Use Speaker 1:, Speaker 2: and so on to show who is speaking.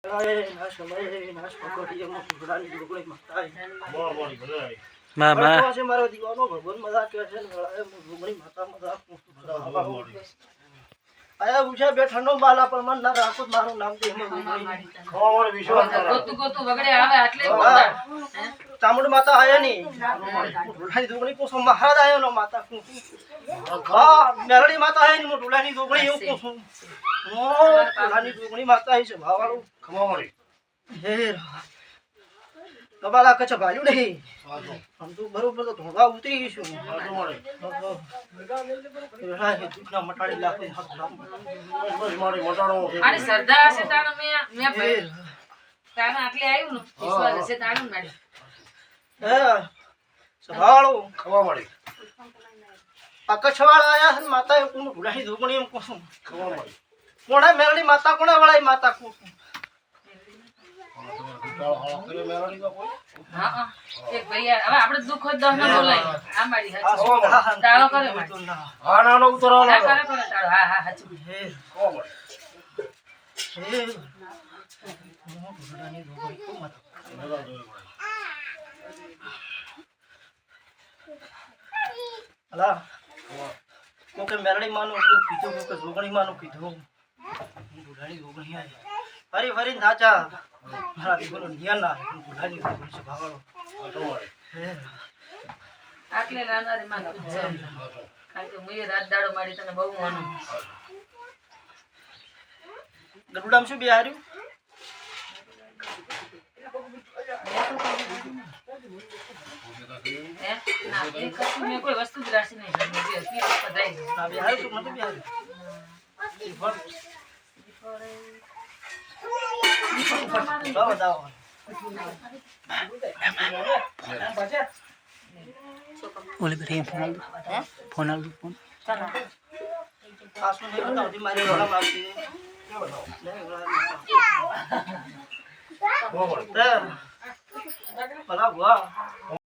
Speaker 1: મારો દીવાનો ભગવાન મજા કે છે માતા મજા આયા પૂછા બે ઠંડો બાલા પર મન ના રાખો મારું નામ દે ખબર વિશ્વાસ ગોતું વગડે આવે આટલે ચામુંડ માતા આયા ની ઢોલાની દોગણી કોસો મહારાજ આયો નો માતા કો હા મેરડી માતા આયા ની ઢોલાની દોગણી એવું કોસો ઢોલાની દોગણી માતા આઈ છે ભાવાળું ખબર હે કબાલા કચ્છ ભાલ્યું નહીં આમ તો બરોબર તો ધોળા ઉતરી ગઈશું મટાડી લાખે
Speaker 2: અરે સરદાર છે તારો મે તારા આટલે આવ્યું ને વિશ્વાસ છે તારું મેડમ
Speaker 1: હે સવાળો
Speaker 3: ખવા મળી
Speaker 1: આ કચ્છવાળા આયા છે માતા એ કોણ ભૂલાઈ ધોગણી એમ કોશું
Speaker 3: ખવા મળી
Speaker 1: કોણે મેરડી માતા કોણે વળાઈ માતા કોશું
Speaker 2: હા એક ભૈયા હવે આપણે દુખ હોય દહ ના બોલાય આ મારી હાચી તાળો કરે
Speaker 3: હા નાનો ઉતરો
Speaker 2: હા કરે કરે તાળો હા હા હાચી
Speaker 1: હે
Speaker 3: ખવા મળી
Speaker 1: હે મો ભૂલાની ધોગણી કો મત અલા કોકે મેરડી માનું એટલું કીધું કોકે જોગણી માનું કીધું ભૂલાની ધોગણી આય ફરી ફરી નાચા મારા દીકરો નિયાના ભૂલાની ધોગણી છે ભાવાળો હે
Speaker 2: આટલે નાના રે માં કારણ કે મુએ રાત દાડો મારી તને બહુ માનું
Speaker 1: ગરુડામ શું બિહાર્યું
Speaker 2: હે ના એ કશું મે કોઈ વસ્તુ જ રાશી નહીં જે હતી પધાઈ
Speaker 1: ના બિહાર્યું તો નથી બિહાર્યું દાવ દાવ
Speaker 4: ઓલે બેઠે ફોન આલ ફોન
Speaker 1: આસુ નહીં બતાવતી મારી રોડા મારતી ભલા ભુવા